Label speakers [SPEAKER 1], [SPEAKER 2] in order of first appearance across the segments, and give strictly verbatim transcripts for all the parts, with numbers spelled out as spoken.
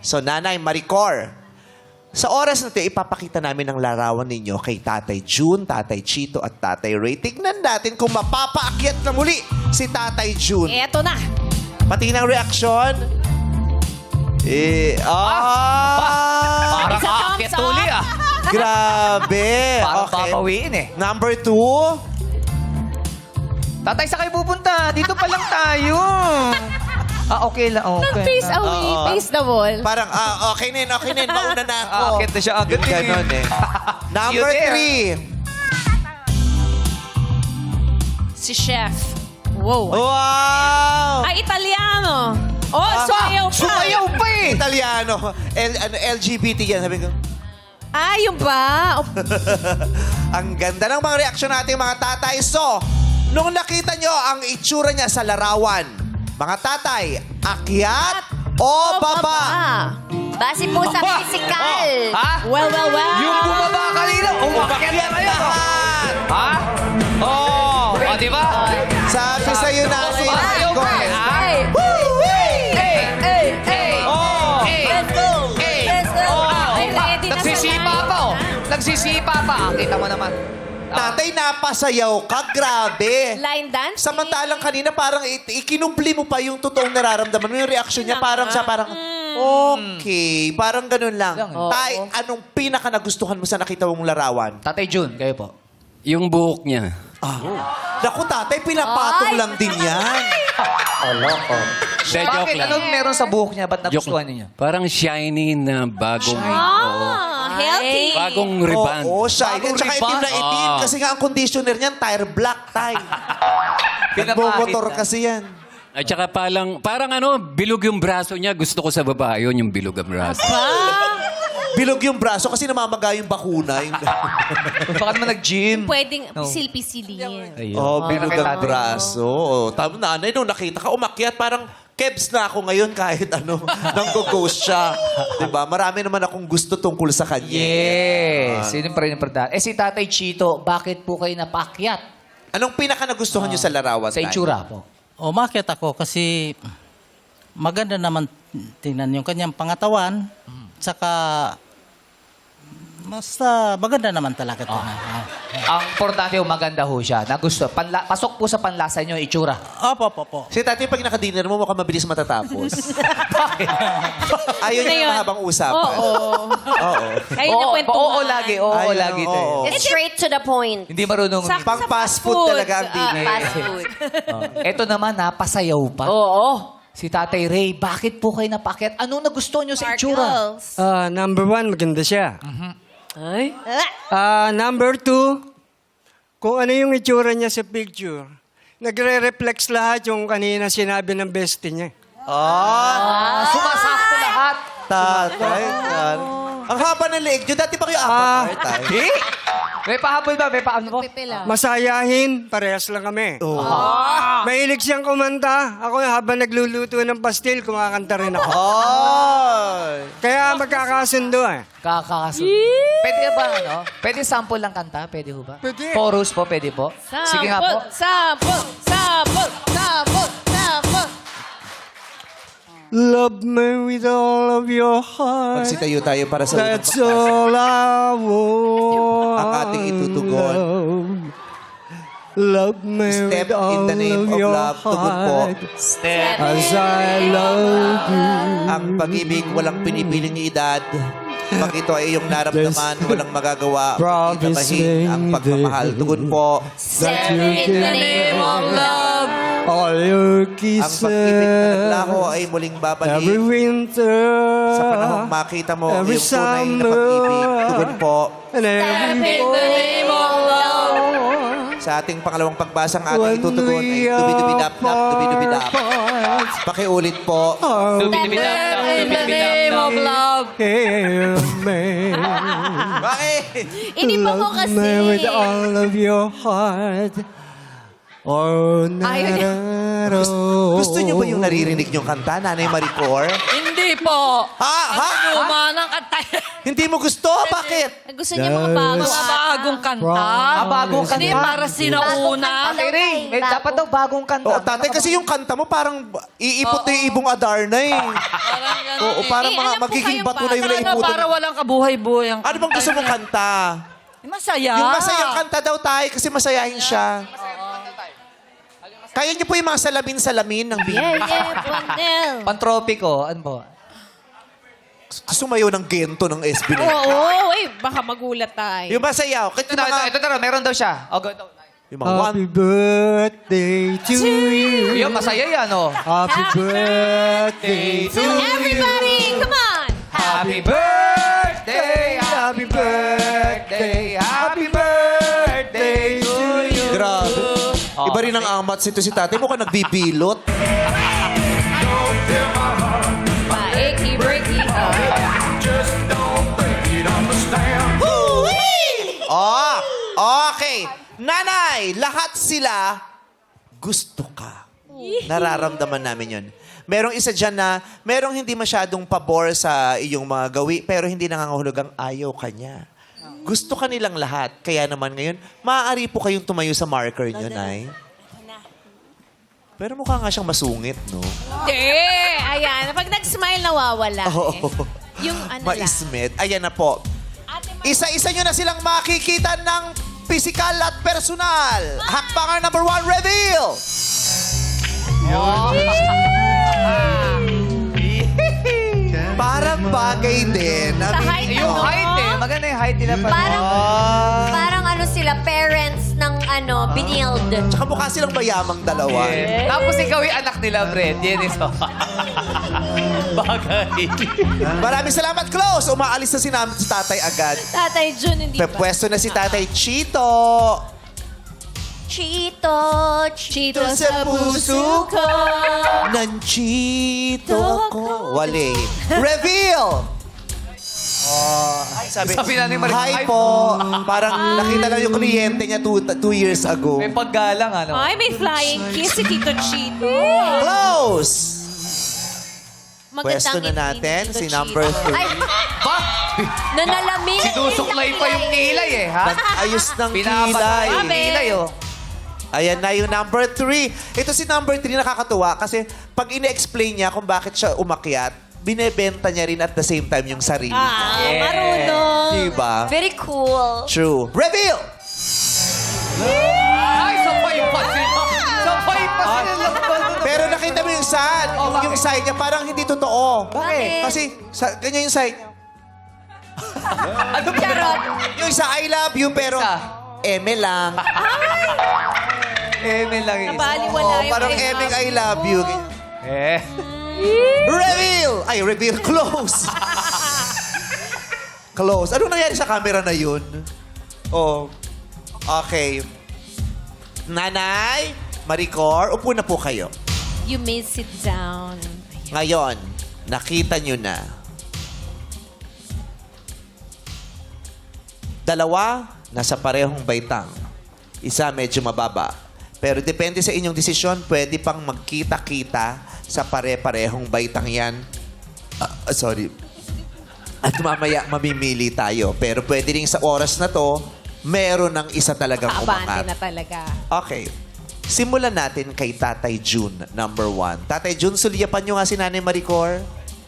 [SPEAKER 1] So, Nanay Maricor, sa oras na ito, ipapakita namin ang larawan ninyo kay Tatay June, Tatay Chito, at Tatay Ray. Tignan natin kung mapapaakyat na muli si Tatay June.
[SPEAKER 2] Eto na.
[SPEAKER 1] Pati ng reaksyon. Eh, ah!
[SPEAKER 3] Parang
[SPEAKER 2] Isa thumbs
[SPEAKER 3] aakyat
[SPEAKER 2] up.
[SPEAKER 3] uli ah.
[SPEAKER 1] Grabe.
[SPEAKER 3] Parang
[SPEAKER 1] Okay.
[SPEAKER 3] papawiin eh.
[SPEAKER 1] Number two.
[SPEAKER 3] Tatay, sa kayo pupunta? Dito pa lang tayo. Ah, okay lang. Okay.
[SPEAKER 2] Face away,
[SPEAKER 1] Oo.
[SPEAKER 2] face the wall.
[SPEAKER 1] Parang, ah, okay nin, okay nin. Mauna na ako.
[SPEAKER 3] Aakyat na siya agad
[SPEAKER 1] Yung
[SPEAKER 3] eh.
[SPEAKER 1] ganon eh. Number
[SPEAKER 3] You there.
[SPEAKER 1] three.
[SPEAKER 2] Si Chef. Wow.
[SPEAKER 1] Wow!
[SPEAKER 2] Ay, Italiano. Oh,
[SPEAKER 1] Ah,
[SPEAKER 2] sumayaw pa.
[SPEAKER 3] Sumayaw pa eh.
[SPEAKER 1] Italiano. L, ano, L G B T yan. Sabi ko,
[SPEAKER 2] Ah, yun ba? Oh,
[SPEAKER 1] ang ganda ng mga reaksyon natin mga tatay. So, nung nakita nyo ang itsura niya sa larawan, mga tatay, akyat o baba?
[SPEAKER 4] Base po sa
[SPEAKER 3] Aba!
[SPEAKER 4] physical.
[SPEAKER 3] Oh, ha?
[SPEAKER 2] Well, well, well.
[SPEAKER 3] Yung bumaba kanina, umakyat na kayo.
[SPEAKER 1] Lahat!
[SPEAKER 3] Ha? Oh, oh di ba?
[SPEAKER 1] Sabi sa'yo natin,
[SPEAKER 3] Sumayaw pa eh, ha?
[SPEAKER 4] Hey,
[SPEAKER 3] Hey!
[SPEAKER 4] hey, hey.
[SPEAKER 3] Oh!
[SPEAKER 4] Let's go.
[SPEAKER 3] Hey!
[SPEAKER 4] Let's go.
[SPEAKER 3] Oh!
[SPEAKER 2] Ay, ready na sa
[SPEAKER 3] Nagsisipa
[SPEAKER 2] line.
[SPEAKER 3] pa oh. Nagsisipa pa. Ah, kita mo naman.
[SPEAKER 1] tatay, napasayaw ka. Grabe.
[SPEAKER 2] Line dance?
[SPEAKER 1] Samantalang kanina parang i- ikinumpli mo pa yung totoong nararamdaman mo. Yung reaction niya parang siya parang, okay. Parang ganun lang.
[SPEAKER 3] Lang,
[SPEAKER 2] eh.
[SPEAKER 1] Tay, anong pinaka nagustuhan mo sa nakita mong larawan?
[SPEAKER 3] Tatay June, kayo po.
[SPEAKER 5] Yung buhok niya.
[SPEAKER 1] Ah. Naku, tatay, pinapatong
[SPEAKER 4] Ay!
[SPEAKER 1] lang din yan.
[SPEAKER 5] De, joke
[SPEAKER 3] Bakit?
[SPEAKER 5] lang.
[SPEAKER 3] Anong meron sa buhok niya? Ba't
[SPEAKER 5] Joke
[SPEAKER 3] nagustuhan
[SPEAKER 5] lang.
[SPEAKER 3] niyo?
[SPEAKER 5] Parang shiny na bagong... Oo.
[SPEAKER 2] Ah, healthy.
[SPEAKER 5] Bagong rebound.
[SPEAKER 1] Oo, shiny.
[SPEAKER 3] Bagong
[SPEAKER 1] At saka itim na
[SPEAKER 3] rebound.
[SPEAKER 1] itim.
[SPEAKER 5] Oo.
[SPEAKER 1] Kasi nga ang conditioner niyan, tire black, tay. Nagbomotor
[SPEAKER 3] na.
[SPEAKER 1] kasi yan.
[SPEAKER 5] At saka palang, parang ano, bilog yung braso niya. Gusto ko sa babae yun, yung bilog ang braso.
[SPEAKER 1] Bilog yung braso kasi namamaga yung bakuna. Yung...
[SPEAKER 3] Baka naman nag-gym.
[SPEAKER 2] Pwedeng
[SPEAKER 3] No.
[SPEAKER 2] silpi-silin.
[SPEAKER 5] Ayun.
[SPEAKER 1] oh, bilog
[SPEAKER 3] Pero kay
[SPEAKER 1] ang
[SPEAKER 3] tatay.
[SPEAKER 1] braso. Oh, tama na, nanay, nung nakita ka, umakyat, parang kebs na ako ngayon kahit ano, nang go-ghost siya. Diba? Marami naman akong gusto tungkol sa kanya.
[SPEAKER 3] Yes. Yun yung pa rin importante. Eh si Tatay Chito, bakit po kayo napakyat
[SPEAKER 1] Anong pinaka nagustuhan niyo sa larawan,
[SPEAKER 3] sa
[SPEAKER 1] tay?
[SPEAKER 3] itsura po?
[SPEAKER 6] Umakyat ako kasi maganda naman tingnan yung kanyang pangatawan. Tsaka basta maganda naman talaga ito.
[SPEAKER 3] Ang importante yung maganda ho siya. Nagusto. Panla pasok po sa panlasa niyo, itsura.
[SPEAKER 6] Opo, opo, opo.
[SPEAKER 1] Si tatay, pag nakadinner mo, mukhang mabilis matatapos. Ayaw niya
[SPEAKER 2] Ngayon.
[SPEAKER 1] yung mahabang usapan.
[SPEAKER 2] Oo.
[SPEAKER 1] Oo.
[SPEAKER 2] Ayun na
[SPEAKER 3] Oo,
[SPEAKER 2] kwentuhan.
[SPEAKER 3] oo lagi. Oo,
[SPEAKER 1] Ayun,
[SPEAKER 3] lagi to.
[SPEAKER 1] oo.
[SPEAKER 3] eh.
[SPEAKER 4] It's straight to the point.
[SPEAKER 3] Hindi marunong.
[SPEAKER 2] Sa-
[SPEAKER 1] Pang
[SPEAKER 2] sa
[SPEAKER 1] fast food talaga ang
[SPEAKER 2] Ah,
[SPEAKER 1] dinner.
[SPEAKER 4] Fast food.
[SPEAKER 3] Ito naman, napasayaw pa.
[SPEAKER 2] Oo.
[SPEAKER 3] Si Tatay Ray, bakit po kayo napakyat? Anong nagustuhan niyo sa itsura?
[SPEAKER 2] Sparkles.
[SPEAKER 7] Ah, number one, maganda siya.
[SPEAKER 2] Ay.
[SPEAKER 7] Ah, number two, kung ano yung itsura niya sa picture, nagre-reflex lahat yung kanina sinabi ng bestie niya.
[SPEAKER 1] Ah,
[SPEAKER 3] Sumasakto lahat.
[SPEAKER 1] tatay. yan. Ang haba ng leeg nyo. Dati pa kayo
[SPEAKER 7] Ah.
[SPEAKER 1] apat, tay.
[SPEAKER 3] Eh? May pahabol ba? May pahabol po?
[SPEAKER 2] Pipila.
[SPEAKER 7] Masayahin, parehas lang kami.
[SPEAKER 1] Oh.
[SPEAKER 7] Mahilig siyang kumanta. Ako habang nagluluto ng pastil, kumakanta rin ako.
[SPEAKER 1] Ay.
[SPEAKER 7] Kaya magkakasundo eh.
[SPEAKER 3] Kakakasunod. Pwede ba, ano? Pwede sample lang kanta? Pwede ho ba?
[SPEAKER 7] Pwede.
[SPEAKER 3] Chorus po, pwede po? Sige nga po.
[SPEAKER 2] Sample, sample, sample, sample.
[SPEAKER 7] Love me with all of your heart.
[SPEAKER 1] Magsitayo tayo para sa unang
[SPEAKER 7] That's
[SPEAKER 1] pagpasa.
[SPEAKER 7] all I want.
[SPEAKER 1] Ang ating itutugon.
[SPEAKER 7] Love me
[SPEAKER 1] Step
[SPEAKER 7] with all
[SPEAKER 1] in the name
[SPEAKER 7] of
[SPEAKER 1] of
[SPEAKER 7] your
[SPEAKER 1] love. Tugon po.
[SPEAKER 7] heart. As I love you.
[SPEAKER 1] Ang pag-ibig, walang pinipiling edad. Pag ito ay iyong naramdaman, walang magagawa.
[SPEAKER 7] Promise
[SPEAKER 1] Itabahin ang
[SPEAKER 7] me
[SPEAKER 1] pagmamahal. Tugon po.
[SPEAKER 7] That you
[SPEAKER 4] In the name of love.
[SPEAKER 7] all your
[SPEAKER 1] Ang
[SPEAKER 7] kisses.
[SPEAKER 1] pag-ibig na naglaho ay muling babalik.
[SPEAKER 7] Every winter.
[SPEAKER 1] Sa panahong makita mo ang
[SPEAKER 7] every
[SPEAKER 1] iyong tunay na
[SPEAKER 7] summer.
[SPEAKER 1] pag-ibig. Tugon po.
[SPEAKER 7] And every
[SPEAKER 4] In the name of love.
[SPEAKER 1] Sa ating pangalawang pagbasa ang ating
[SPEAKER 7] when
[SPEAKER 1] itutugon ay
[SPEAKER 7] we
[SPEAKER 1] dubidubidap-dap, dubidubidap.
[SPEAKER 7] apart.
[SPEAKER 1] Pakiulit po.
[SPEAKER 4] In the name of love.
[SPEAKER 7] Hear me.
[SPEAKER 1] Bakit?
[SPEAKER 2] Iniba mo
[SPEAKER 7] Love me with
[SPEAKER 2] kasi.
[SPEAKER 7] all of your heart. Oh,
[SPEAKER 2] Ayaw niya.
[SPEAKER 7] nararo.
[SPEAKER 1] Gusto niyo ba yung naririnig niyong kanta, Nanay Maricor?
[SPEAKER 2] Hindi.
[SPEAKER 4] Hindi po.
[SPEAKER 1] Ha? Ha?
[SPEAKER 4] Luma ng kanta.
[SPEAKER 1] Hindi mo gusto? Bakit?
[SPEAKER 2] Gusto niya mga bago.
[SPEAKER 4] Mga bagong kanta.
[SPEAKER 3] Ah, bagong
[SPEAKER 4] Hindi
[SPEAKER 3] kanta.
[SPEAKER 4] para sinauna.
[SPEAKER 3] Ate Ray, may dapat daw bagong kanta.
[SPEAKER 1] Oo, tatay, kasi yung kanta mo parang iipot na yung ibong Adarna eh.
[SPEAKER 4] Parang ganun.
[SPEAKER 1] Oo, parang
[SPEAKER 2] Eh,
[SPEAKER 1] mga
[SPEAKER 2] alam ko
[SPEAKER 1] magiging
[SPEAKER 2] kayong
[SPEAKER 1] bato na yung
[SPEAKER 4] Ano,
[SPEAKER 1] naiputan.
[SPEAKER 4] para walang kabuhay-buhay ang
[SPEAKER 1] Ano bang gusto mong kanta?
[SPEAKER 4] Masaya.
[SPEAKER 1] Yung masayang kanta daw tayo kasi masayahin siya. Kaya niyo po yung mga salamin-salamin ng big.
[SPEAKER 2] Yeah, yeah, Bonel.
[SPEAKER 3] Pantropiko, ano po?
[SPEAKER 1] Sumayo ng gento ng S B na.
[SPEAKER 2] Oo, eh, baka magulat tayo.
[SPEAKER 1] Yung masayaw. Kahit
[SPEAKER 3] Ito
[SPEAKER 1] yung
[SPEAKER 3] na, ito,
[SPEAKER 1] mga,
[SPEAKER 3] ito na, meron daw siya. O, go, go.
[SPEAKER 1] yung mga one.
[SPEAKER 7] Happy birthday to you.
[SPEAKER 3] Yun, masaya yan, oh.
[SPEAKER 7] Happy birthday to
[SPEAKER 2] Everybody, come on!
[SPEAKER 3] Happy birthday, happy birthday, happy birthday to you.
[SPEAKER 1] Grabe. Iba rin ang amat sito si tatay. Mukhang nagbibilot.
[SPEAKER 2] Paiki, breaky,
[SPEAKER 1] Oh, okay. Nanay, lahat sila gusto ka. Nararamdaman namin yun. Merong isa dyan na, merong hindi masyadong pabor sa iyong mga gawi, pero hindi nangangahulugang ayaw ka niya. Gusto ka nilang lahat. Kaya naman ngayon, maaari po kayong tumayo sa marker niyo, Nay. Pero mukha nga siyang masungit, no?
[SPEAKER 2] Hindi! Ayan, pag nag-smile, nawawala eh. Yung ano lang.
[SPEAKER 1] Maismet. Ayan na po. Isa-isa nyo na silang makikita ng physical at personal. Hakbanger number one, reveal! Parang bagay din.
[SPEAKER 2] Sa height,
[SPEAKER 3] Yung
[SPEAKER 2] ano?
[SPEAKER 3] height eh. Maganda yung height nila pa.
[SPEAKER 4] Parang,
[SPEAKER 1] Ah.
[SPEAKER 4] parang ano sila, parents ng ano, binild.
[SPEAKER 1] Tsaka mukha silang mayamang dalawa.
[SPEAKER 3] Yeah. Tapos ikaw yung anak nila, Fred. Yan ito. Bagay.
[SPEAKER 1] Maraming salamat, Close. Umaalis na si, nam- si tatay agad.
[SPEAKER 2] Tatay Jun, hindi ba?
[SPEAKER 1] Pepwesto na si tatay Chito.
[SPEAKER 4] Chito,
[SPEAKER 2] Chito sa puso ko.
[SPEAKER 1] Nanchito ko. Wale. Reveal! Oh, sabi,
[SPEAKER 3] Sabi na ni Marie,
[SPEAKER 1] hi
[SPEAKER 3] hi
[SPEAKER 1] po. Parang nakita lang yung kliyente niya two, two years ago.
[SPEAKER 3] May paggalang, ano?
[SPEAKER 2] Ay, may flying kiss si Tito Chito.
[SPEAKER 1] Close!
[SPEAKER 2] Magandang
[SPEAKER 1] Pwesto na
[SPEAKER 2] ngiti ni
[SPEAKER 1] natin
[SPEAKER 2] Tito
[SPEAKER 1] si
[SPEAKER 2] Chito.
[SPEAKER 1] number three.
[SPEAKER 4] Ay,
[SPEAKER 3] Ba?
[SPEAKER 4] nanalamin.
[SPEAKER 3] Sinusuklay pa yung kilay eh, ha?
[SPEAKER 1] Ayos ng
[SPEAKER 3] Pinapatay
[SPEAKER 1] kilay.
[SPEAKER 3] yung kilay, oh.
[SPEAKER 1] Ayan na yung number three. Ito si number three, nakakatuwa kasi pag ine-explain niya kung bakit siya umakyat, binebenta niya rin at the same time yung sarili niya.
[SPEAKER 2] Ah, marunong.
[SPEAKER 1] Diba?
[SPEAKER 4] Very cool.
[SPEAKER 1] True. Reveal!
[SPEAKER 3] Ay, sabay pa sila. Sabay pa sila.
[SPEAKER 1] Pero nakita mo yung side.
[SPEAKER 3] Oh, bakit?
[SPEAKER 1] yung side niya parang hindi totoo.
[SPEAKER 4] Bakit?
[SPEAKER 1] Kasi sa, ganyan yung side niya.
[SPEAKER 3] Ano ba?
[SPEAKER 4] Charot.
[SPEAKER 1] Yung isa, I love you, pero
[SPEAKER 3] Isa.
[SPEAKER 1] eme lang.
[SPEAKER 3] Eme lang yung isa.
[SPEAKER 2] Nabaliwala
[SPEAKER 1] Oh,
[SPEAKER 2] yung
[SPEAKER 1] parang
[SPEAKER 2] I
[SPEAKER 1] emeng
[SPEAKER 2] love
[SPEAKER 1] I love you.
[SPEAKER 3] Eh.
[SPEAKER 1] Reveal! Ay, reveal. Close. Close. Anong nangyari sa camera na yun? Oh. Okay. Nanay, Maricor, upo na po kayo.
[SPEAKER 2] You may sit down.
[SPEAKER 1] Ngayon, nakita nyo na. Dalawa, nasa parehong baitang. Isa medyo mababa. Pero depende sa inyong desisyon, pwede pang magkita-kita sa pare-parehong baitang yan. Ah, ah, sorry. At mamaya mamimili tayo. Pero pwede rin sa oras na to, meron ng isa talagang
[SPEAKER 2] Kaabante
[SPEAKER 1] umangat.
[SPEAKER 2] na talaga.
[SPEAKER 1] Okay. Simulan natin kay Tatay June, number one. Tatay June, sulyapan nyo nga si Nanay Maricor.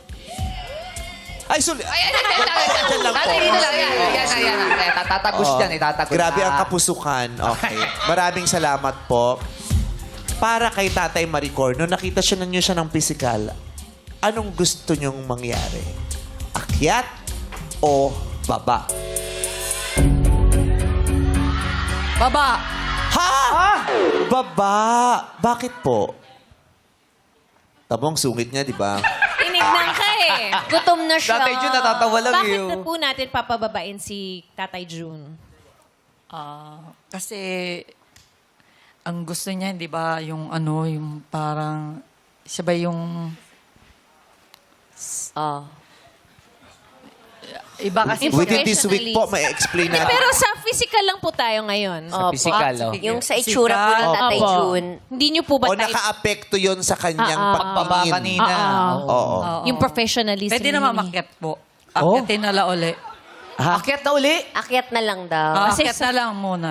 [SPEAKER 1] Ay, sul...
[SPEAKER 3] Ay, ay, ay, ay, ay, ay.
[SPEAKER 1] Diyan lang po.
[SPEAKER 3] Tatay, dito lang. Yan, yan, yan, yan. Eh, Tatatagus
[SPEAKER 1] Oo.
[SPEAKER 3] dyan, itatagos.
[SPEAKER 1] Grabe ang
[SPEAKER 3] Ah.
[SPEAKER 1] kapusukan. Okay. Maraming salamat po. Para kay Tatay Maricor, nung nakita siya na niyo siya ng physical, anong gusto niyong mangyari? Akyat o baba?
[SPEAKER 4] Baba.
[SPEAKER 1] Ha? Baba. Bakit po? Tabong sungit niya, di ba?
[SPEAKER 2] Tinignan ka eh.
[SPEAKER 4] Gutom na siya.
[SPEAKER 3] Tatay Jun, natatawa lang
[SPEAKER 2] Bakit
[SPEAKER 3] yun.
[SPEAKER 2] na po natin papababain si Tatay June?
[SPEAKER 8] Ah, kasi ang gusto niya, di ba, yung ano, yung parang, siya ba yung,
[SPEAKER 4] Oh.
[SPEAKER 8] Iba kasi
[SPEAKER 1] Within this week po,
[SPEAKER 2] Professionally.
[SPEAKER 1] may explain
[SPEAKER 2] Hindi,
[SPEAKER 1] natin.
[SPEAKER 2] pero sa physical lang po tayo ngayon.
[SPEAKER 3] Sa physical, oh.
[SPEAKER 4] Yung sa itsura po ni Tatay
[SPEAKER 2] Opo.
[SPEAKER 4] June.
[SPEAKER 2] Hindi niyo po ba
[SPEAKER 1] O
[SPEAKER 2] type?
[SPEAKER 1] naka-apekto yun sa kanyang
[SPEAKER 2] Ah, ah.
[SPEAKER 3] Pagbaba
[SPEAKER 1] pagtingin.
[SPEAKER 3] kanina.
[SPEAKER 2] Ah,
[SPEAKER 1] Oo.
[SPEAKER 2] Yung professionalism.
[SPEAKER 8] Pwede naman
[SPEAKER 2] niya.
[SPEAKER 8] makyat po. Akyatin na la uli.
[SPEAKER 3] Akyat na uli.
[SPEAKER 4] Akyat na lang daw.
[SPEAKER 8] Ah,
[SPEAKER 2] Kasi
[SPEAKER 8] akyat na lang muna.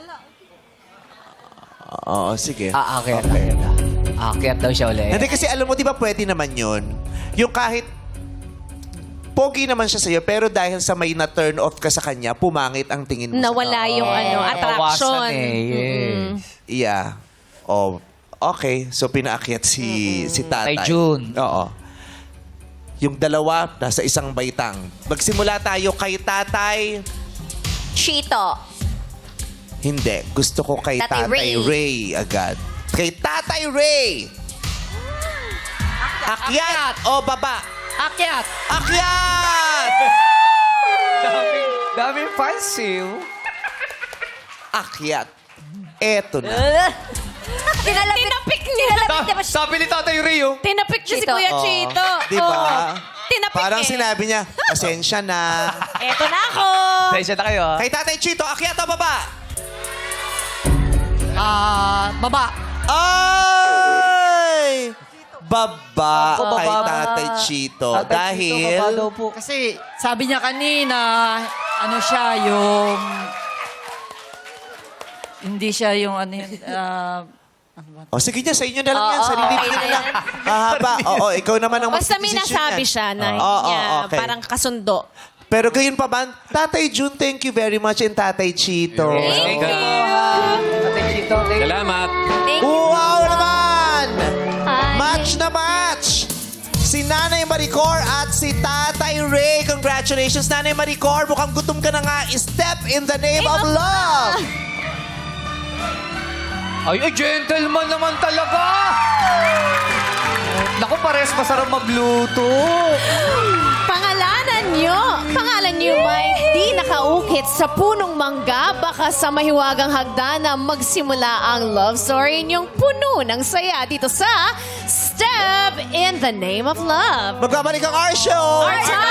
[SPEAKER 1] Oo, sige.
[SPEAKER 3] Ah, akyat. Akyat daw siya uli.
[SPEAKER 1] Hindi kasi alam mo, di ba pwede naman yun? Yung kahit pogi naman siya sa'yo, pero dahil sa may na-turn off ka sa kanya, pumangit ang tingin mo
[SPEAKER 2] Nawala yung ano, attraction.
[SPEAKER 3] Nabawasan eh,
[SPEAKER 2] Mm-mm.
[SPEAKER 3] yes.
[SPEAKER 1] sa Yeah. Oh, okay. So, pinaakyat si, si tatay.
[SPEAKER 3] Kay June.
[SPEAKER 1] Oo. Yung dalawa, nasa isang baitang. Magsimula tayo kay tatay.
[SPEAKER 4] Chito.
[SPEAKER 1] Hindi. Gusto ko kay
[SPEAKER 4] Tatay
[SPEAKER 1] Tatay,
[SPEAKER 4] Ray.
[SPEAKER 1] Ray. agad. Kay Tatay Ray! Akyat o baba?
[SPEAKER 8] Akyat!
[SPEAKER 1] Akyat!
[SPEAKER 3] Daming, daming fancy.
[SPEAKER 1] Akyat. Eto na.
[SPEAKER 4] Tinalapit.
[SPEAKER 2] Tinapik niya.
[SPEAKER 4] Tinalapit niya pa siya.
[SPEAKER 3] Sabi ni Tatay Rio.
[SPEAKER 2] Tinapik niya si
[SPEAKER 4] Chito.
[SPEAKER 2] Kuya
[SPEAKER 1] Oo.
[SPEAKER 2] Chito.
[SPEAKER 1] Di ba?
[SPEAKER 2] Oo. Tinapik
[SPEAKER 1] Parang
[SPEAKER 2] eh.
[SPEAKER 1] sinabi niya, pasensya na.
[SPEAKER 2] Eto na ako.
[SPEAKER 3] Pasensya na kayo, ah.
[SPEAKER 1] Kay Tatay Chito, akyat o baba?
[SPEAKER 8] Ah, baba.
[SPEAKER 1] Ay! Baba
[SPEAKER 3] Ako,
[SPEAKER 1] kay
[SPEAKER 3] baba.
[SPEAKER 1] Tatay Chito.
[SPEAKER 3] Tatay Chito,
[SPEAKER 1] Dahil...
[SPEAKER 3] baba daw po.
[SPEAKER 8] Kasi sabi niya kanina, ano siya, yung... Hindi siya yung ano yun, ah,
[SPEAKER 1] O sige niya, sa inyo na lang yan.
[SPEAKER 4] Oo,
[SPEAKER 1] Sarili
[SPEAKER 4] okay
[SPEAKER 1] niyo
[SPEAKER 4] na
[SPEAKER 1] na lang. Hahaba. Oo, ikaw naman ang
[SPEAKER 2] Basta may
[SPEAKER 1] magdidesisyon
[SPEAKER 2] nasabi
[SPEAKER 1] yan.
[SPEAKER 2] siya na
[SPEAKER 1] Oo,
[SPEAKER 2] hindi
[SPEAKER 1] oo,
[SPEAKER 2] niya
[SPEAKER 1] okay.
[SPEAKER 2] parang kasundo.
[SPEAKER 1] Pero gayon pa ba, Tatay June, thank you very much, and Tatay Chito.
[SPEAKER 2] Thank you.
[SPEAKER 3] Tatay Chito, thank you.
[SPEAKER 5] Salamat.
[SPEAKER 4] Thank you.
[SPEAKER 1] Wow naman!
[SPEAKER 4] Hi.
[SPEAKER 1] Match na match! Si Nanay Maricor at si Tatay Ray. Congratulations, Nanay Maricor. Mukhang gutom ka na nga. Step in the name of love!
[SPEAKER 3] Ay, ay, gentleman naman talaga! Naku, pares masarap magluto.
[SPEAKER 2] Pangalanan nyo, pangalan nyo may di nakaukit sa punong mangga, baka sa mahiwagang hagdan na magsimula ang love story ninyong puno ng saya dito sa Step in the Name of Love.
[SPEAKER 1] Magbabalik ang our show!
[SPEAKER 2] Our time!